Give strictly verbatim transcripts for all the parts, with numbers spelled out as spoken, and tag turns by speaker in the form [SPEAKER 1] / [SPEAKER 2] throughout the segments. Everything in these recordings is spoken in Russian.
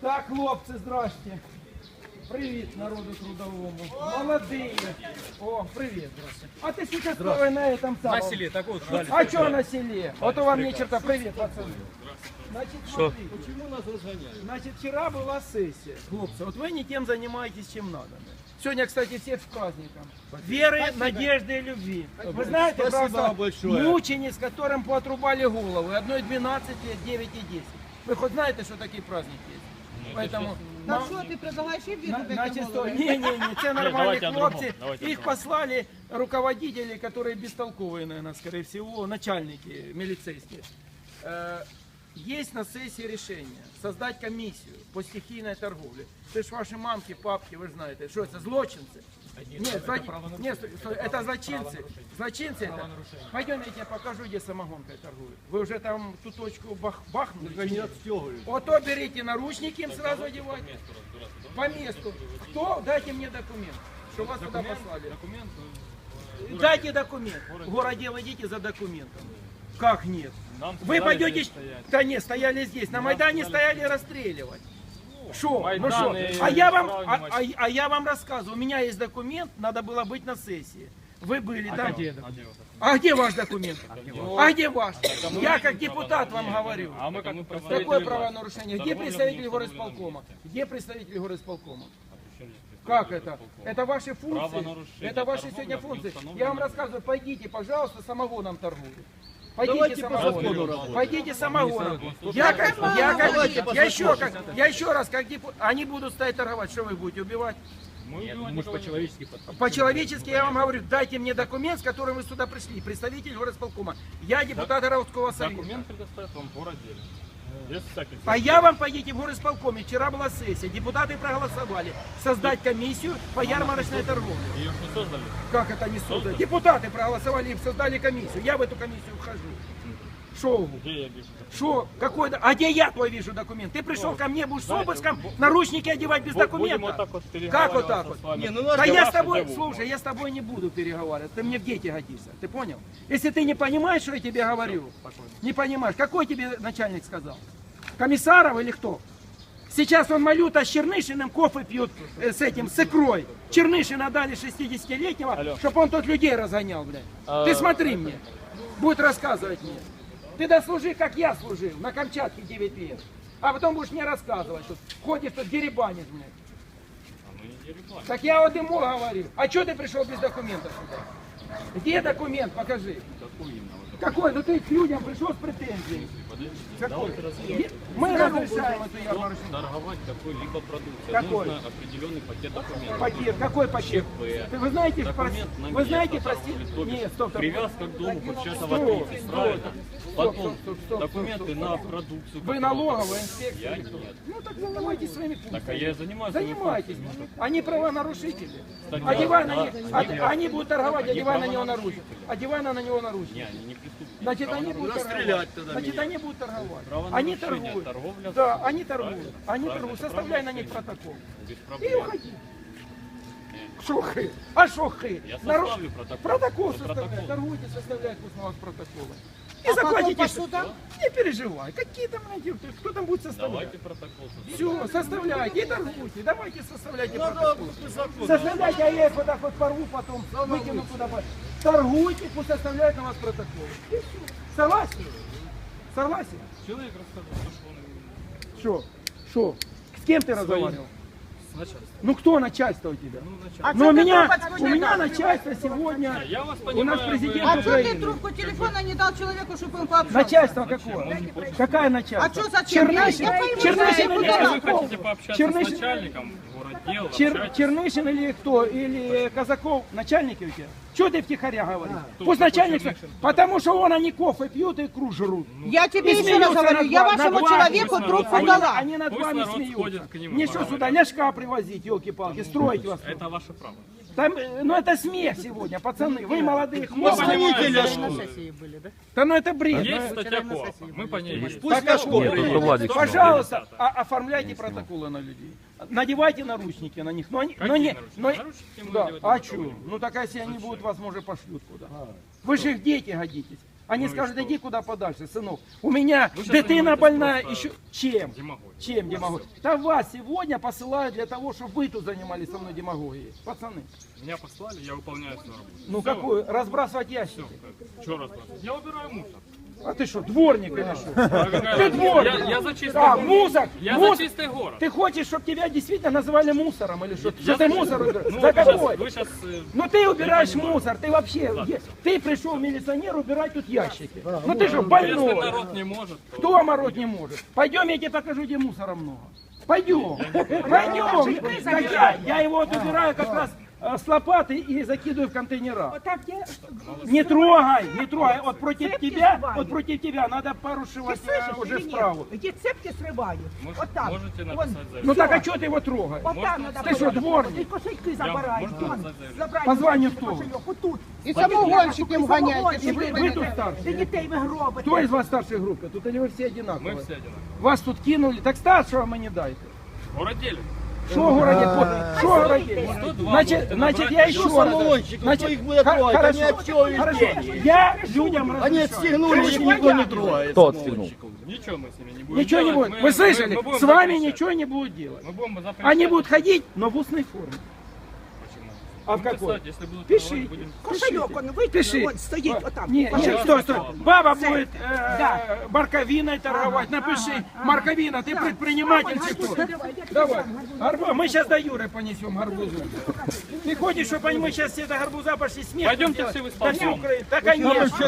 [SPEAKER 1] Так, хлопцы, здрасте. Привет народу трудовому. Молодые. О, привет, здравствуйте. А ты сейчас на, на этом самом...
[SPEAKER 2] На селе, так вот ждали.
[SPEAKER 1] А что на селе? Вот у вам не черта. Привет, пацаны. Значит, смотри,
[SPEAKER 2] Почему нас разгоняют?
[SPEAKER 1] значит, вчера была сессия. Хлопцы, вот вы не тем занимаетесь, чем надо. Сегодня, кстати, всех с праздником. Веры, надежды и любви. Вы знаете,
[SPEAKER 2] Спасибо
[SPEAKER 1] просто
[SPEAKER 2] большое.
[SPEAKER 1] мучениц, которым поотрубали головы. Одной двенадцать лет, девять и десять. Вы хоть знаете, что такие праздники есть? Поэтому...
[SPEAKER 3] Так що ти предлагаєш і віру
[SPEAKER 1] На- Значит,
[SPEAKER 3] таке
[SPEAKER 1] что,
[SPEAKER 3] голову?
[SPEAKER 1] не-не-не, це нормальные
[SPEAKER 2] давайте о другом,
[SPEAKER 1] хлопцы.
[SPEAKER 2] давайте о
[SPEAKER 1] Их
[SPEAKER 2] другом.
[SPEAKER 1] послали руководители, которые бестолковые, наверное, скорее всего, начальники милицейские. Э, Есть на сессии решение создать комиссию по стихийной торговле. Ты ж ваши мамки, папки, вы же знаете, что это, злочинцы? Нет, зло- нет, стой, стой, это злочинцы. Злочинцы это. Пойдем, я тебе покажу, где самогонкой торгуют. Вы уже там ту точку бах, бахнули?
[SPEAKER 2] Они отстегивают.
[SPEAKER 1] Вот то берите наручники, им сразу одевайте. По месту. Кто? Дайте мне документ, что вас туда послали.
[SPEAKER 2] Документ.
[SPEAKER 1] Дайте документ. В городдел идите за документом. Как нет?
[SPEAKER 2] Нам
[SPEAKER 1] Вы
[SPEAKER 2] сказали
[SPEAKER 1] пойдете...
[SPEAKER 2] здесь стоять.
[SPEAKER 1] Да нет, стояли здесь. На Майдане стояли расстреливать. Шо? Ну
[SPEAKER 2] Майдан
[SPEAKER 1] шо?
[SPEAKER 2] и
[SPEAKER 1] А я вам,
[SPEAKER 2] Правый
[SPEAKER 1] а,
[SPEAKER 2] матч.
[SPEAKER 1] а- а я вам рассказываю. У меня есть документ, надо было быть на сессии. Вы были там.
[SPEAKER 2] где документ?
[SPEAKER 1] А где ваш документ? А где ваш? Я как депутат вам говорю.
[SPEAKER 2] А мы как
[SPEAKER 1] Какое правонарушение? Где представитель горосполкома? Где представитель горосполкома? Как это? Это ваши функции?
[SPEAKER 2] Правонарушение,
[SPEAKER 1] Это ваши
[SPEAKER 2] торговля
[SPEAKER 1] сегодня
[SPEAKER 2] в
[SPEAKER 1] функции?
[SPEAKER 2] неустановленном
[SPEAKER 1] Я вам рассказываю, пойдите, пожалуйста, самогоном торгуйте. Пойдите
[SPEAKER 2] Давайте по закону
[SPEAKER 1] самогоном.
[SPEAKER 2] работать.
[SPEAKER 1] Пойдите самогоном. Я как, я как, я еще как, я еще раз, как депу- они будут стоять торговать, что вы будете убивать?
[SPEAKER 2] Мы же по-человечески подходим.
[SPEAKER 1] По-человечески я вам говорю, дайте мне документ, с которым вы сюда пришли, представитель горосполкома. Я депутат городского совета.
[SPEAKER 2] Документ предоставят вам в городе. Без всяких.
[SPEAKER 1] А я вам пойдите в горосполкоме. Вчера была сессия, депутаты проголосовали создать комиссию по ярмарочной торговле.
[SPEAKER 2] Ее ж не создали.
[SPEAKER 1] Как это не создали? Депутаты проголосовали и создали комиссию. Я в эту комиссию вхожу. Шо?
[SPEAKER 2] Где я вижу?
[SPEAKER 1] Шо? Какой? до- А где я твой вижу документ? Ты пришел ко мне, будешь с обыском наручники одевать без
[SPEAKER 2] Будем вот
[SPEAKER 1] документа?
[SPEAKER 2] так вот
[SPEAKER 1] Как вот так вот?
[SPEAKER 2] с вами.
[SPEAKER 1] Не,
[SPEAKER 2] ну
[SPEAKER 1] Да я с тобой, слушай, я с тобой не буду переговаривать. Ты мне в дети годишься. Ты понял? Если ты не понимаешь, что я тебе говорю, не понимаешь, какой тебе начальник сказал? Комиссаров или кто? Сейчас он Малюта с Чернышиным кофе пьют э, с этим, с икрой. Чернышина дали шестидесятилетнего,
[SPEAKER 2] Алло.
[SPEAKER 1] чтобы он тут людей разгонял, блядь.
[SPEAKER 2] А,
[SPEAKER 1] Ты смотри мне, будет рассказывать мне. Ты дослужи, как я служил, на Камчатке девять лет. А потом будешь мне рассказывать, тут ходишь тут деребанишь, блядь.
[SPEAKER 2] Мы не деревянные.
[SPEAKER 1] Так я вот ему говорю. А что ты пришел без документов сюда? Где документ? Покажи.
[SPEAKER 2] Какой именно? Вот
[SPEAKER 1] Какой? Ну ты к людям пришел с претензией.
[SPEAKER 2] подождите.
[SPEAKER 1] Какой?
[SPEAKER 2] Давайте разъясним.
[SPEAKER 1] Мы разрешаем эту ярмарочную.
[SPEAKER 2] Торговать какой-либо продукцией.
[SPEAKER 1] Какой?
[SPEAKER 2] Нужно определенный пакет документов.
[SPEAKER 1] Пакет. Какой пакет?
[SPEAKER 2] ЧП.
[SPEAKER 1] Ты, вы знаете, прос-
[SPEAKER 2] Документ на
[SPEAKER 1] вы
[SPEAKER 2] место
[SPEAKER 1] знаете,
[SPEAKER 2] торговли,
[SPEAKER 1] простите,
[SPEAKER 2] то бишь
[SPEAKER 1] нет, стоп, стоп.
[SPEAKER 2] Привязка к дому хоть часа в
[SPEAKER 1] Стоп,
[SPEAKER 2] отличие,
[SPEAKER 1] стоп,
[SPEAKER 2] правильно?
[SPEAKER 1] стоп,
[SPEAKER 2] Потом
[SPEAKER 1] стоп, стоп, стоп,
[SPEAKER 2] документы
[SPEAKER 1] стоп,
[SPEAKER 2] на
[SPEAKER 1] стоп.
[SPEAKER 2] продукцию.
[SPEAKER 1] Вы
[SPEAKER 2] которую-
[SPEAKER 1] налоговая инспекция
[SPEAKER 2] Я
[SPEAKER 1] или кто?
[SPEAKER 2] нет.
[SPEAKER 1] Ну так занимайтесь своими функциями.
[SPEAKER 2] Так, а я и занимаюсь своими
[SPEAKER 1] Занимайтесь. Они правонарушители.
[SPEAKER 2] Кстати,
[SPEAKER 1] Одевай
[SPEAKER 2] да,
[SPEAKER 1] на них,
[SPEAKER 2] да,
[SPEAKER 1] од-
[SPEAKER 2] они-
[SPEAKER 1] они будут торговать,
[SPEAKER 2] они
[SPEAKER 1] одевай на него
[SPEAKER 2] правонарушители.
[SPEAKER 1] наручники. Одевай на него наручники.
[SPEAKER 2] Не, они не преступники.
[SPEAKER 1] Значит, они будут
[SPEAKER 2] Расстрелять
[SPEAKER 1] торговать.
[SPEAKER 2] тогда
[SPEAKER 1] Значит,
[SPEAKER 2] меня.
[SPEAKER 1] они будут торговать.
[SPEAKER 2] Правонарушение,
[SPEAKER 1] Они торгуют.
[SPEAKER 2] торговля.
[SPEAKER 1] Да, они торгуют.
[SPEAKER 2] Правильно,
[SPEAKER 1] Они
[SPEAKER 2] правильно,
[SPEAKER 1] торгуют.
[SPEAKER 2] это
[SPEAKER 1] Составляй на
[SPEAKER 2] правильно.
[SPEAKER 1] них протокол.
[SPEAKER 2] Без
[SPEAKER 1] И
[SPEAKER 2] проблем.
[SPEAKER 1] уходи. Шохы. А шохы?
[SPEAKER 2] Я
[SPEAKER 1] Нару-
[SPEAKER 2] составлю протокол.
[SPEAKER 1] Протокол
[SPEAKER 2] Это
[SPEAKER 1] составляй.
[SPEAKER 2] протокол.
[SPEAKER 1] Торгуйте, составляйте пусть на вас протоколы. И
[SPEAKER 3] А потом
[SPEAKER 1] заплатите.
[SPEAKER 3] по
[SPEAKER 1] что-
[SPEAKER 3] судам?
[SPEAKER 1] Не переживай. Какие там найдем? Кто там будет составлять?
[SPEAKER 2] Давайте протокол.
[SPEAKER 1] Все, составляйте и торгуйте. Давайте составляйте
[SPEAKER 2] Надо
[SPEAKER 1] протокол.
[SPEAKER 2] по закону.
[SPEAKER 1] Составляйте, а я их вот так вот порву потом, выкину куда по- Торгуйте, пусть составляют на вас протокол. И все. Согласен? Согласен?
[SPEAKER 2] Человек рассказал, что он
[SPEAKER 1] Что? Что? С кем ты разговаривал?
[SPEAKER 2] с начальством.
[SPEAKER 1] Ну кто начальство у тебя?
[SPEAKER 2] Ну, начальник.
[SPEAKER 3] А
[SPEAKER 1] Ну у
[SPEAKER 3] что ты
[SPEAKER 1] меня,
[SPEAKER 3] трубочку
[SPEAKER 1] у
[SPEAKER 3] не
[SPEAKER 1] меня
[SPEAKER 3] дал?
[SPEAKER 1] начальство сегодня,
[SPEAKER 2] Я вас
[SPEAKER 1] у
[SPEAKER 2] понимаю.
[SPEAKER 1] нас
[SPEAKER 2] вы-
[SPEAKER 1] президент
[SPEAKER 3] А что ты
[SPEAKER 1] Украины.
[SPEAKER 3] трубку телефона не дал человеку, чтобы он пообщался?
[SPEAKER 1] Начальство какое? Какая начальство?
[SPEAKER 3] А что зачем? Я-
[SPEAKER 1] Чернышин,
[SPEAKER 3] я пойму,
[SPEAKER 1] Чернышин
[SPEAKER 3] я
[SPEAKER 1] или
[SPEAKER 3] куда
[SPEAKER 2] Если вы
[SPEAKER 1] Казаков?
[SPEAKER 2] хотите пообщаться
[SPEAKER 1] Чернышин-
[SPEAKER 2] с начальником городдела,
[SPEAKER 1] Чер-
[SPEAKER 2] общайтесь.
[SPEAKER 1] Чернышин или кто? Или Казаков? Начальники у тебя? Чего ты втихаря говоришь?
[SPEAKER 2] Кто
[SPEAKER 1] Пусть
[SPEAKER 2] такой
[SPEAKER 1] начальник...
[SPEAKER 2] Чернышин?
[SPEAKER 1] Потому что он, они кофе пьют и икру жрут.
[SPEAKER 3] Я тебе
[SPEAKER 1] И
[SPEAKER 3] еще раз
[SPEAKER 1] смеются
[SPEAKER 3] говорю,
[SPEAKER 1] над
[SPEAKER 3] я
[SPEAKER 1] вами,
[SPEAKER 3] вашему
[SPEAKER 1] над вами.
[SPEAKER 3] человеку
[SPEAKER 2] Пусть
[SPEAKER 3] трубку
[SPEAKER 1] Они,
[SPEAKER 2] народ
[SPEAKER 3] дала.
[SPEAKER 1] они над
[SPEAKER 2] Пусть
[SPEAKER 1] вами
[SPEAKER 2] народ
[SPEAKER 1] смеются.
[SPEAKER 2] сходит к нему,
[SPEAKER 1] Мне что
[SPEAKER 2] пора.
[SPEAKER 1] сюда ляжка привозить, елки-палки, строить вас?
[SPEAKER 2] Это ваше право.
[SPEAKER 1] Там, э, ну это смех сегодня, пацаны. Вы молодые
[SPEAKER 2] Мы
[SPEAKER 1] хлопцы.
[SPEAKER 2] понимаем,
[SPEAKER 1] Да ну это бред.
[SPEAKER 2] есть статья КОАПа, мы по ней есть.
[SPEAKER 1] Пусть
[SPEAKER 4] Владик,
[SPEAKER 1] Пожалуйста, а- оформляйте протоколы на людей. Надевайте наручники на них. Но, они, но
[SPEAKER 2] Какие
[SPEAKER 1] не,
[SPEAKER 2] наручники?
[SPEAKER 1] но,
[SPEAKER 2] Наручники мы
[SPEAKER 1] да,
[SPEAKER 2] надевать
[SPEAKER 1] а
[SPEAKER 2] не
[SPEAKER 1] что?
[SPEAKER 2] будем.
[SPEAKER 1] Ну так а если они будут, вас может пошлют куда. Вы же их дети годитесь. Они
[SPEAKER 2] Ну и
[SPEAKER 1] скажут,
[SPEAKER 2] что?
[SPEAKER 1] иди куда подальше, сынок. У меня
[SPEAKER 2] Вы щас
[SPEAKER 1] дитина
[SPEAKER 2] занимаетесь
[SPEAKER 1] больная,
[SPEAKER 2] просто
[SPEAKER 1] еще чем?
[SPEAKER 2] демагогией.
[SPEAKER 1] Чем демагогия? Да вас сегодня посылают для того, чтобы вы тут занимались со мной демагогией. Пацаны,
[SPEAKER 2] Меня послали, я выполняю свою работу.
[SPEAKER 1] ну
[SPEAKER 2] Всё.
[SPEAKER 1] какую? Разбрасывать ящики.
[SPEAKER 2] Что разбрасывать? Я убираю мусор.
[SPEAKER 1] А ты что, дворник или что?
[SPEAKER 2] А какая
[SPEAKER 1] Ты
[SPEAKER 2] разница?
[SPEAKER 1] дворник.
[SPEAKER 2] Я, я за чистый
[SPEAKER 1] А,
[SPEAKER 2] город.
[SPEAKER 1] мусор!
[SPEAKER 2] Я
[SPEAKER 1] мусор.
[SPEAKER 2] за чистый город.
[SPEAKER 1] Ты хочешь, чтобы тебя действительно называли мусором или что? Что
[SPEAKER 2] Я
[SPEAKER 1] ты
[SPEAKER 2] за-
[SPEAKER 1] мусор убираешь?
[SPEAKER 2] Ну,
[SPEAKER 1] За
[SPEAKER 2] вы щас-
[SPEAKER 1] какой?
[SPEAKER 2] Вы сейчас...
[SPEAKER 1] Ну ты убираешь
[SPEAKER 2] не понимаю.
[SPEAKER 1] мусор, ты вообще, е- ты пришел милиционер убирать тут ящики. Ну ты что,
[SPEAKER 2] Если
[SPEAKER 1] больной?
[SPEAKER 2] народ не может, то...
[SPEAKER 1] Кто мороть не может? Пойдем, я тебе покажу, где мусора много. Пойдем, пойдем. Так я, я его вот убираю как раз э, с лопаты и закидываю в контейнера.
[SPEAKER 3] Так где?
[SPEAKER 1] Не трогай, не трогай. Вот против
[SPEAKER 3] Цепки
[SPEAKER 1] тебя,
[SPEAKER 3] срываю.
[SPEAKER 1] вот против тебя надо порушивать
[SPEAKER 3] Ты слышишь
[SPEAKER 1] э, уже
[SPEAKER 3] или нет?
[SPEAKER 1] справу.
[SPEAKER 3] Где цепки срываю?
[SPEAKER 2] Мож-
[SPEAKER 3] Вот так.
[SPEAKER 2] Можете
[SPEAKER 3] Вон.
[SPEAKER 2] написать заявление.
[SPEAKER 1] Ну так а что ты его трогаешь?
[SPEAKER 3] Вот там
[SPEAKER 2] Можно?
[SPEAKER 3] надо
[SPEAKER 1] Ты что,
[SPEAKER 3] было.
[SPEAKER 1] дворник?
[SPEAKER 3] И кошельки забираешь.
[SPEAKER 2] можно
[SPEAKER 3] Вон,
[SPEAKER 2] написать заявление?
[SPEAKER 3] забрать
[SPEAKER 1] Позвони
[SPEAKER 3] кошельки,
[SPEAKER 1] кто?
[SPEAKER 3] кошельок. Вот тут.
[SPEAKER 4] І самогонщиків ганяйте.
[SPEAKER 1] І ви- ви тут старші?
[SPEAKER 3] Ти дітей ви гробите.
[SPEAKER 1] Кто из вас старшей группы? Тут или вы все одинаковые?
[SPEAKER 2] Мы все одинаковые.
[SPEAKER 1] Вас тут кинули, так старшего мы не дайте.
[SPEAKER 2] Городели.
[SPEAKER 1] Что городит? Что городит?
[SPEAKER 2] сто два
[SPEAKER 1] Значит,
[SPEAKER 2] можете
[SPEAKER 1] значит,
[SPEAKER 2] набрать,
[SPEAKER 1] я
[SPEAKER 2] еще
[SPEAKER 1] еще раз.
[SPEAKER 5] самогонщиков,
[SPEAKER 1] Значит,
[SPEAKER 5] кто их будет
[SPEAKER 1] х-
[SPEAKER 5] трогать? Они
[SPEAKER 1] хорошо,
[SPEAKER 5] от чего
[SPEAKER 1] хорошо.
[SPEAKER 5] везде?
[SPEAKER 1] Я людям
[SPEAKER 5] Они
[SPEAKER 1] разрешаю.
[SPEAKER 5] отстегнули, их никто не трогает.
[SPEAKER 6] Кто отстегнул?
[SPEAKER 2] Ничего мы с ними не будем
[SPEAKER 1] Ничего не
[SPEAKER 2] делать.
[SPEAKER 1] будет.
[SPEAKER 2] Мы-
[SPEAKER 1] Вы слышали?
[SPEAKER 2] мы- мы будем
[SPEAKER 1] С вами
[SPEAKER 2] запрещать.
[SPEAKER 1] ничего не будут делать.
[SPEAKER 2] Мы будем запрещать.
[SPEAKER 1] Они будут ходить, но в устной форме.
[SPEAKER 2] Почему?
[SPEAKER 1] А в
[SPEAKER 2] Будем
[SPEAKER 1] какой?
[SPEAKER 2] писать, если будут
[SPEAKER 1] Пиши.
[SPEAKER 2] трогать, будем...
[SPEAKER 3] Кошельок, он вытянул,
[SPEAKER 1] Пиши.
[SPEAKER 3] вон стоит, вот там.
[SPEAKER 1] Не, не,
[SPEAKER 3] Кошелек.
[SPEAKER 1] стой, стой. Баба
[SPEAKER 3] Цепь.
[SPEAKER 1] будет э,
[SPEAKER 3] Да.
[SPEAKER 1] морковиной торговать. Напиши, морковина, ты предприниматель чи кто? Давай. Гарбу- Мы сейчас до Юры понесем гарбузу. Ты хочешь, чтобы они- мы сейчас все до гарбуза пошли смех?
[SPEAKER 2] Пойдемте
[SPEAKER 1] делать?
[SPEAKER 2] все в
[SPEAKER 1] Да
[SPEAKER 2] исполком.
[SPEAKER 1] все, Украина. Да, конечно.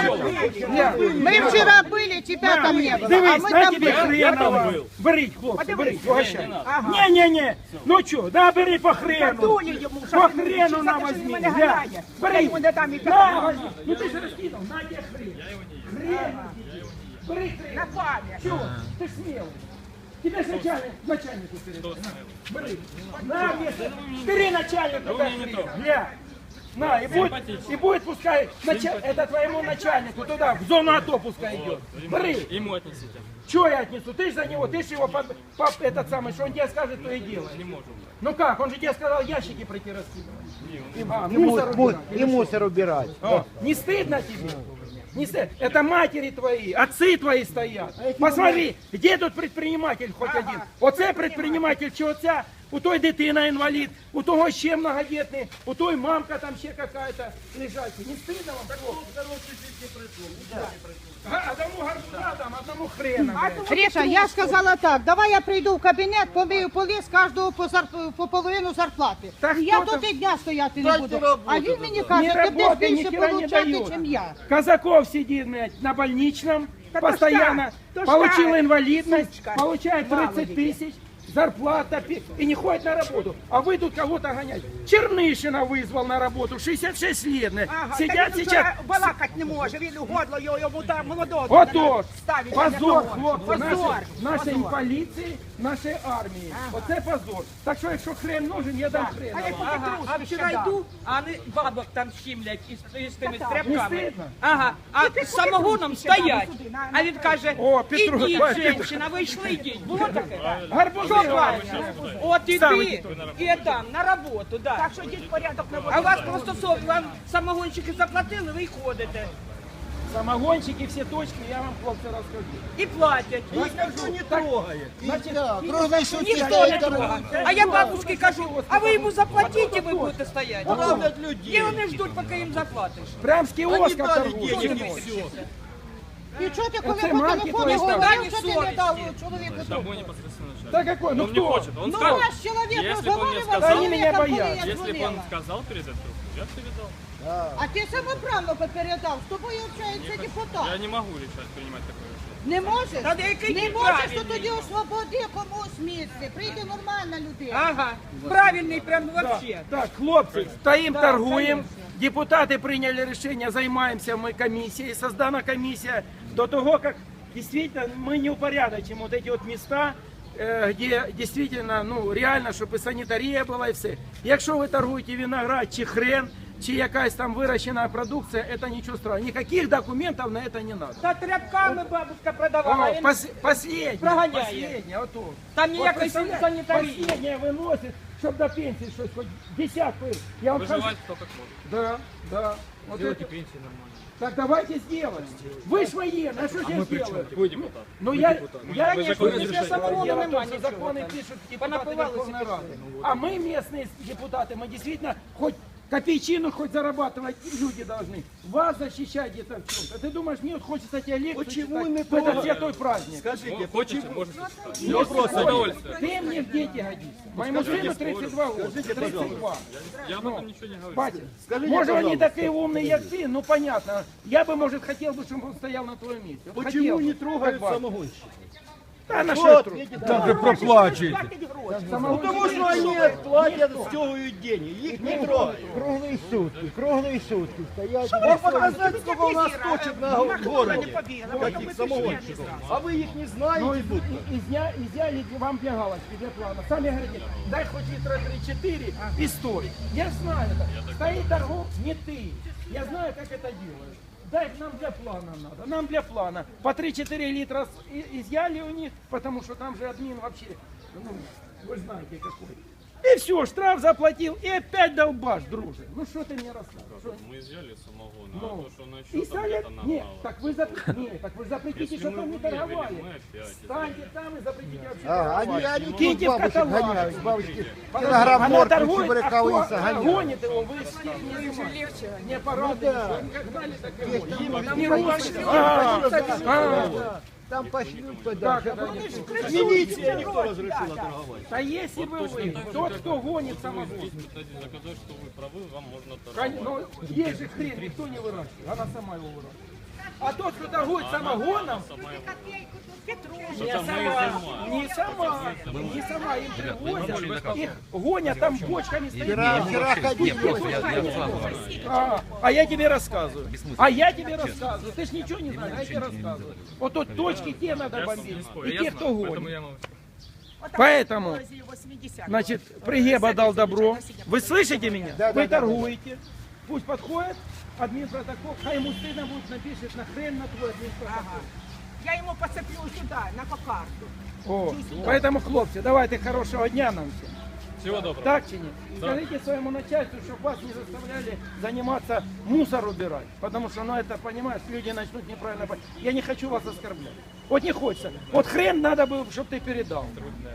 [SPEAKER 1] Я-
[SPEAKER 4] Ми вчора були, тебя там не було. А
[SPEAKER 1] Дивись,
[SPEAKER 4] ми
[SPEAKER 1] на
[SPEAKER 4] там
[SPEAKER 1] тебе
[SPEAKER 4] були.
[SPEAKER 1] хренова. Беріть, хлопці, беріть, угощай.
[SPEAKER 3] Ага.
[SPEAKER 1] Не-не-не, ну що, да, бери по хрену.
[SPEAKER 3] Дує йому, що
[SPEAKER 1] По
[SPEAKER 3] він
[SPEAKER 1] хрену
[SPEAKER 3] кричить,
[SPEAKER 1] на
[SPEAKER 3] за те, що
[SPEAKER 1] возьми.
[SPEAKER 3] він мене
[SPEAKER 1] Да.
[SPEAKER 3] ганяє. Я
[SPEAKER 1] Бери,
[SPEAKER 3] йому не дам і
[SPEAKER 1] на,
[SPEAKER 3] так.
[SPEAKER 1] возьми. Ну ти ж розкинув, на тебе хрен. Хрен. Бери хрен.
[SPEAKER 3] На пам'ять.
[SPEAKER 1] Чего? Ты смелый. Тебе начальник, начальнику передай. На, бери. На, вешай. Бери начальнику.
[SPEAKER 2] Да вы
[SPEAKER 1] дай
[SPEAKER 2] меня не
[SPEAKER 1] хрен.
[SPEAKER 2] трогаете.
[SPEAKER 1] Гля. На, и будет,
[SPEAKER 2] Симпатично.
[SPEAKER 1] и будет пускай, нача- это твоему начальнику туда, в зону АТО пускай идет. Бери.
[SPEAKER 2] Ему отнесите.
[SPEAKER 1] Что я отнесу? Ты же за него, ты же его, под, под- этот самый, что он тебе скажет, то и делай.
[SPEAKER 2] Не можем.
[SPEAKER 1] Ну как, он же тебе сказал ящики пройти раскидывать.
[SPEAKER 2] Не, он-
[SPEAKER 1] А,
[SPEAKER 4] І
[SPEAKER 1] мусор
[SPEAKER 4] му-
[SPEAKER 1] убирать,
[SPEAKER 4] І
[SPEAKER 1] или что?
[SPEAKER 4] мусор убирать.
[SPEAKER 1] О, не стыдно тебе? Не стыдно. Это матери твои, отцы твои стоят. Посмотри, где тут предприниматель хоть один? Оце предприниматель, чи оця? У той дитина інвалід, у того ще многодітний, у той мамка там ще какая-то лежать. Не стыдно вам? Да. Одному гарбуза там, одному хрена. блядь.
[SPEAKER 4] Ріша, я сказала так, давай я прийду в кабінет, помию поли з кожного по, зарп- по половину зарплати.
[SPEAKER 1] Так
[SPEAKER 4] я
[SPEAKER 1] хто
[SPEAKER 4] тут
[SPEAKER 1] там?
[SPEAKER 4] і дня стояти не
[SPEAKER 5] Дайте
[SPEAKER 4] буду.
[SPEAKER 5] роботу
[SPEAKER 4] А він мені
[SPEAKER 1] Не
[SPEAKER 4] каже, ти будеш
[SPEAKER 1] работай, ни
[SPEAKER 4] більше
[SPEAKER 1] хера не
[SPEAKER 4] получати,
[SPEAKER 1] дают.
[SPEAKER 4] ніж я.
[SPEAKER 1] Казаков сидит, блядь, на больничном,
[SPEAKER 3] Да то
[SPEAKER 1] постоянно
[SPEAKER 3] что? То
[SPEAKER 1] получил
[SPEAKER 3] что?
[SPEAKER 1] инвалидность,
[SPEAKER 3] Сучка.
[SPEAKER 1] получает тридцать
[SPEAKER 3] Баловики.
[SPEAKER 1] тысяч, зарплата, пи- и не ходит на работу. А вы тут кого-то гоняете. Чернышина вызвал на работу, шестьдесят шесть лет. блядь.
[SPEAKER 3] Ага,
[SPEAKER 1] Сидят
[SPEAKER 3] так він
[SPEAKER 1] сейчас...
[SPEAKER 3] вже балакать не може, він годло його, йому там молодого.
[SPEAKER 1] Отож,
[SPEAKER 3] ставить, а не
[SPEAKER 1] позор,
[SPEAKER 3] того.
[SPEAKER 1] хлопці,
[SPEAKER 3] Позор,
[SPEAKER 1] нашої, нашої
[SPEAKER 3] позор.
[SPEAKER 1] поліції, нашої армії. Оце позор. Так що, якщо хрен нужен, я дам хрен.
[SPEAKER 3] А я тільки
[SPEAKER 7] Ага, а
[SPEAKER 3] труски
[SPEAKER 7] вчора
[SPEAKER 3] ще дам.
[SPEAKER 7] йду, а вони бабок там щімлять із, із тими
[SPEAKER 3] Та-та.
[SPEAKER 1] Не
[SPEAKER 7] стряпками.
[SPEAKER 1] стидно?
[SPEAKER 7] Ага, а
[SPEAKER 3] ти
[SPEAKER 7] з самогоном
[SPEAKER 3] поки труски
[SPEAKER 7] стоять.
[SPEAKER 3] ще дам,
[SPEAKER 7] А він каже,
[SPEAKER 1] О, Петро,
[SPEAKER 7] ідіть,
[SPEAKER 1] бачиш, Петро.
[SPEAKER 7] жінка, ви йшли, йдіть. Було таке?
[SPEAKER 1] Гарбузи,
[SPEAKER 7] Що правильно? От
[SPEAKER 1] Саме
[SPEAKER 7] іди і там, на роботу, да.
[SPEAKER 3] Так що йдіть порядок на
[SPEAKER 7] А у вас просто сов, вам самогонщики заплатили, ви й ходите.
[SPEAKER 1] самогонщики, всі точки, я вам, хлопці, розкажу.
[SPEAKER 7] І платять.
[SPEAKER 5] Никто не трогает.
[SPEAKER 1] Значить,
[SPEAKER 5] Трогай, что
[SPEAKER 7] Ніхто не трогає. А я бабушці кажу, а ви йому заплатіть, і ви будете стояти.
[SPEAKER 5] Травлять
[SPEAKER 7] І
[SPEAKER 5] людей.
[SPEAKER 7] вони ждуть, поки їм заплатиш.
[SPEAKER 1] прям з
[SPEAKER 5] Они
[SPEAKER 1] кіоска
[SPEAKER 5] дали
[SPEAKER 1] торгують.
[SPEAKER 5] денег и все.
[SPEAKER 4] І чого ти, коли
[SPEAKER 1] Оце
[SPEAKER 4] по
[SPEAKER 1] мамки
[SPEAKER 4] телефону
[SPEAKER 1] твої
[SPEAKER 4] говорив,
[SPEAKER 7] ставлять.
[SPEAKER 4] що ти не
[SPEAKER 7] Совісті.
[SPEAKER 4] дав чоловіку
[SPEAKER 2] С
[SPEAKER 4] трубку?
[SPEAKER 2] тобой непосредственно начальник.
[SPEAKER 1] Да какой, ну
[SPEAKER 2] Он не
[SPEAKER 1] кто?
[SPEAKER 2] хочет. Он
[SPEAKER 4] Ну,
[SPEAKER 2] сказал,
[SPEAKER 4] наш чоловік
[SPEAKER 2] если бы он мне
[SPEAKER 4] розговорював,
[SPEAKER 2] сказал,
[SPEAKER 4] з
[SPEAKER 1] Они меня
[SPEAKER 4] чоловіком, коли
[SPEAKER 1] боятся.
[SPEAKER 4] я
[SPEAKER 2] если бы он
[SPEAKER 4] дзвонила.
[SPEAKER 2] сказал передать трубку, я бы передал.
[SPEAKER 4] А ти самоправно передав, з тобою общається
[SPEAKER 2] Я
[SPEAKER 4] депутат.
[SPEAKER 2] не могу решать, принимать такое решение.
[SPEAKER 4] Не можеш?
[SPEAKER 7] Та який
[SPEAKER 4] Не
[SPEAKER 7] ти
[SPEAKER 4] можеш, то
[SPEAKER 7] правильний.
[SPEAKER 4] тоді освободи комусь місце. Прийде нормальна людина.
[SPEAKER 7] Ага, правильний прям вообще.
[SPEAKER 1] Так, хлопцы, стоим, торгуем. Депутаты приняли решение, займаемся мы комиссией. Создана комиссия до того, как действительно мы не упорядочим вот эти вот места, э, где действительно, ну, реально, чтобы и санитария была, и все. Якщо ви торгуєте виноград, чи хрен, чи якась там вирощена продукція, это ничего страшного. Никаких документов на это не надо.
[SPEAKER 7] Та тряпками бабушка продавала.
[SPEAKER 1] О,
[SPEAKER 7] він-
[SPEAKER 1] пос, последнее,
[SPEAKER 7] Прогоняє.
[SPEAKER 1] последнее, вот то.
[SPEAKER 7] Там
[SPEAKER 1] Вот
[SPEAKER 7] ніякої
[SPEAKER 1] представляешь,
[SPEAKER 7] санітарії.
[SPEAKER 1] Последнее выносит, Щоб до пенсії щось хоч десятку. Я вам скажу.
[SPEAKER 2] Выживать кто как может.
[SPEAKER 1] Да, да. Вот
[SPEAKER 2] Сделайте
[SPEAKER 1] это.
[SPEAKER 2] пенсии нормально.
[SPEAKER 1] Так давайте сделаем. Вы ж военные, а что я сделаю?
[SPEAKER 2] Вы депутат.
[SPEAKER 1] Ну я, я
[SPEAKER 2] Вы
[SPEAKER 1] не
[SPEAKER 2] закон
[SPEAKER 1] что
[SPEAKER 2] не
[SPEAKER 1] не
[SPEAKER 2] решаете.
[SPEAKER 1] самого
[SPEAKER 7] Дело в том,
[SPEAKER 1] что
[SPEAKER 7] что
[SPEAKER 1] законы
[SPEAKER 7] законы
[SPEAKER 1] пишут депутаты
[SPEAKER 7] Понапивалось
[SPEAKER 1] Верховной
[SPEAKER 7] и
[SPEAKER 1] Рады. А мы местные депутаты, мы действительно хоть копейчину хоть зарабатывать люди должны. Вас защищать где-то в чем-то. Ты думаешь, мне вот хочется тебе лекцию
[SPEAKER 5] Почему
[SPEAKER 1] читать
[SPEAKER 5] не
[SPEAKER 1] в этот
[SPEAKER 5] то?
[SPEAKER 1] святой праздник?
[SPEAKER 5] Скажите,
[SPEAKER 2] Хотите,
[SPEAKER 5] почему?
[SPEAKER 2] можете читать.
[SPEAKER 1] Не
[SPEAKER 5] вопрос,
[SPEAKER 1] стоит.
[SPEAKER 2] удовольствие.
[SPEAKER 1] Ты мне в дети годишься. Моему сыну тридцать два года.
[SPEAKER 5] Скажите,
[SPEAKER 1] тридцать два.
[SPEAKER 2] Я об этом ничего не говорю.
[SPEAKER 1] Батя,
[SPEAKER 5] Скажите,
[SPEAKER 1] может, он не
[SPEAKER 5] пожалуйста.
[SPEAKER 1] такой умный, как ты, ну понятно. Я бы, может, хотел бы, чтобы он стоял на твоем месте. Вот хотел
[SPEAKER 5] Почему
[SPEAKER 1] бы,
[SPEAKER 5] не
[SPEAKER 1] как
[SPEAKER 5] трогают
[SPEAKER 1] батя.
[SPEAKER 5] самогонщиков?
[SPEAKER 1] Да, на
[SPEAKER 5] Вот,
[SPEAKER 1] что тру-
[SPEAKER 5] видите,
[SPEAKER 1] Да,
[SPEAKER 5] даже проплачиваете.
[SPEAKER 3] Платить гроші.
[SPEAKER 5] Ну, потому что они платят, стягивают деньги, их не трогают.
[SPEAKER 6] Круглые сутки, круглые сутки стоять.
[SPEAKER 5] Вот показать, сколько у нас точек на
[SPEAKER 3] Вона не
[SPEAKER 5] городе,
[SPEAKER 3] побігла,
[SPEAKER 5] каких самогонщиков. А вы их не
[SPEAKER 1] Ну,
[SPEAKER 5] знаете
[SPEAKER 1] из-
[SPEAKER 5] будто.
[SPEAKER 1] и- изня- изъяли вам для галочки, для плана. Сами говорите, дай хоть литра три-четыре и стой. Я знаю это. Стоит торгов не ты. Я знаю, как это делают. Дай нам для плана надо, нам для плана. По три-четыре литра с- и- изъяли у них, потому что там же админ вообще, ну, вы знаете какой. И все, штраф заплатил, и опять долбаш, друже. Ну что ты мне рассказываешь? Что-
[SPEAKER 2] Мы изъяли самогон, а
[SPEAKER 1] Ну,
[SPEAKER 2] то, что на
[SPEAKER 1] и
[SPEAKER 2] счет там
[SPEAKER 1] стали...
[SPEAKER 2] где-то
[SPEAKER 1] Нет,
[SPEAKER 2] нагнало.
[SPEAKER 1] так вы, зап... Нет, так вы запретите,
[SPEAKER 2] Если
[SPEAKER 1] чтобы
[SPEAKER 2] мы
[SPEAKER 1] там не
[SPEAKER 2] выявили,
[SPEAKER 1] торговали.
[SPEAKER 2] мы опять
[SPEAKER 1] Станьте там и запретите вообще
[SPEAKER 6] А, они,
[SPEAKER 1] торговать.
[SPEAKER 6] они тут
[SPEAKER 1] Киньте в
[SPEAKER 6] бабушек
[SPEAKER 1] каталог.
[SPEAKER 6] гоняют, бабушки.
[SPEAKER 1] Подожди,
[SPEAKER 6] Килограмм
[SPEAKER 1] она
[SPEAKER 6] морквы,
[SPEAKER 1] торгует, а
[SPEAKER 6] чебурековые
[SPEAKER 1] кто
[SPEAKER 6] гоняют.
[SPEAKER 1] гонит его, вы с ним не занимаетесь. Не порадуйтесь, как гнали, так и гонят. Не гонят. А, а,
[SPEAKER 6] Там пошлют
[SPEAKER 1] Как
[SPEAKER 6] подальше.
[SPEAKER 1] это не
[SPEAKER 5] Милиция никто разрешила торговать.
[SPEAKER 1] Да если бы вы, тот, кто гонит самогон.
[SPEAKER 2] Кстати, доказать, что вы правы, вам можно
[SPEAKER 1] Кон-
[SPEAKER 2] торговать.
[SPEAKER 1] Ну, есть же хрен, никто не выращивает, она сама его выращивает. А тот, кто торгует самогоном, не
[SPEAKER 2] Это мы
[SPEAKER 1] сама, не сама, не сама им привозят, их гонят, там бочками стоят.
[SPEAKER 6] Вчера, вчера ходили.
[SPEAKER 1] А, а я тебе рассказываю. А я тебе рассказываю. Ты ж ничего не знаешь, я тебе рассказываю. Вот тут точки те надо бомбить. И те, кто гонит. Поэтому, значит, Пригеба дал добро. Вы слышите меня? Вы торгуете. Пусть подходит админпротокол. Хай ему стыдно будет, напишет на хрен на твой админпротокол.
[SPEAKER 3] Я йому поцеплю сюди, на кокарту.
[SPEAKER 1] О, поэтому, хлопцы, давайте хорошего дня нам всем.
[SPEAKER 2] Всего доброго.
[SPEAKER 1] Так чи нет? Скажите своему начальству, чтобы вас не заставляли заниматься мусор убирать. Потому что, ну это, понимаешь, люди начнут неправильно понимать. Я не хочу вас оскорблять. Вот не хочется. Вот хрен надо было, чтобы ты передал.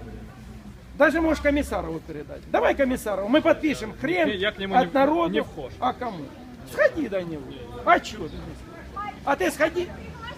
[SPEAKER 1] Даже можешь комиссарову передать. Давай комиссарову, мы подпишем хрен
[SPEAKER 2] Я к нему
[SPEAKER 1] от
[SPEAKER 2] не-
[SPEAKER 1] народу.
[SPEAKER 2] не вхож.
[SPEAKER 1] А кому? Сходи до него. А что ты не сходишь? А ты сходи.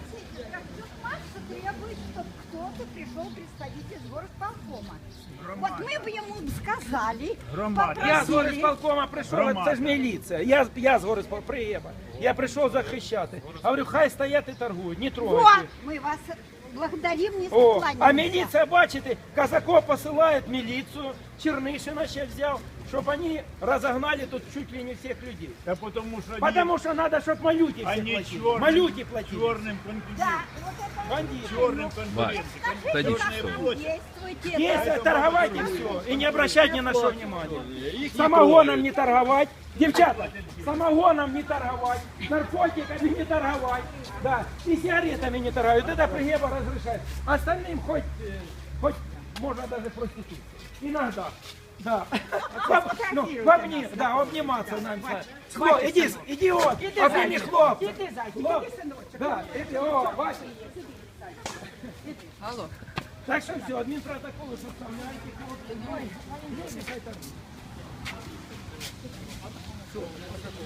[SPEAKER 8] Требует, чтобы кто-то пришел представитель из горосполкома. Вот мы бы ему сказали,
[SPEAKER 1] Я з
[SPEAKER 8] попросили.
[SPEAKER 1] горисполкома прийшов, це ж міліція. Я, я з горисполкома, приєба. Я прийшов захищати. Говорю, хай стоять і торгують, не
[SPEAKER 8] Вот,
[SPEAKER 1] трогайте.
[SPEAKER 8] мы вас благодарим, не
[SPEAKER 1] О,
[SPEAKER 8] склоняемся.
[SPEAKER 1] а міліція, бачите, Казаков посилає міліцію, Чернишина ще взяв, щоб вони розогнали тут чуть ли не всіх людей.
[SPEAKER 9] Да потому что
[SPEAKER 1] Потому що треба, щоб малюки всі
[SPEAKER 9] они
[SPEAKER 1] платили.
[SPEAKER 9] черным,
[SPEAKER 1] Малюки платили.
[SPEAKER 9] черным конкурентом.
[SPEAKER 8] Да, вот это
[SPEAKER 1] Бандиты.
[SPEAKER 9] Черным конкурентом.
[SPEAKER 8] скажите, как там действуете.
[SPEAKER 1] Есть торговать и все. И не обращать ни на что внимания. Самогоном не торговать. Девчата, самогоном не торговать. Наркотиками не торговать. Да. И сигаретами не торговать. Это Пригеба разрешает. Остальным хоть, э, хоть можно даже проституцию. Иногда. Да. Ну, в обни- да, обниматься нам. Хлоп, иди, идиот, обними хлопца.
[SPEAKER 3] Іди, зайчик,
[SPEAKER 1] Хлоп.
[SPEAKER 3] іди, синочок.
[SPEAKER 1] Да, иди, о, Вася. Так что все, админпротоколы составляйте, хлопцы. Ну, ну, нехай так будет.